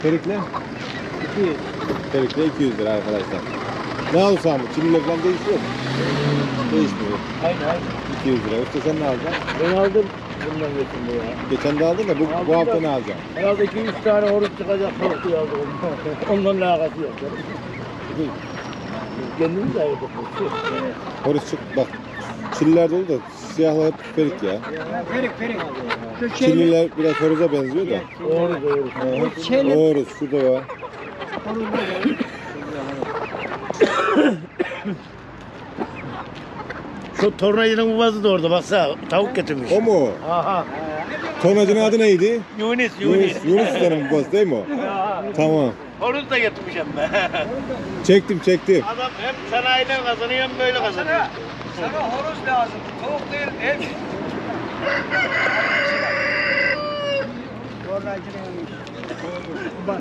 Perikle? 200. Perikle 200 lira arkadaşlar. Ne alırsan bu? Çimliler falan değişiyor mu? Değişmiyor. Aynen. 200 lira. Usta sen ne alacaksın? Ben aldım bundan götürdüm ya. Geçen de aldın da bu hafta ne alacaksın? Herhalde 2-3 tane horoz çıkacak korku yazdı ondan. Ondan alakası yok. Kendimiz de ayırdık. Horus çık bak. Çilliler dolu da siyahlar hep perik ya. Perik. Çilliler biraz horoza benziyor da. Doğru. Horus şurada var. Şu tornacının babası da orada baksana tavuk getirmiş. O mu? Aha. Tonacının adı neydi? Yunus. Yunus Usta'nın babası değil mi o? Tamam. Horoz da getirmiş hem de. Çektim. Adam hem sanayiden kazanıyor hem böyle kazanıyor. Sana horoz lazım. Tavuk değil. Ev. Tornacının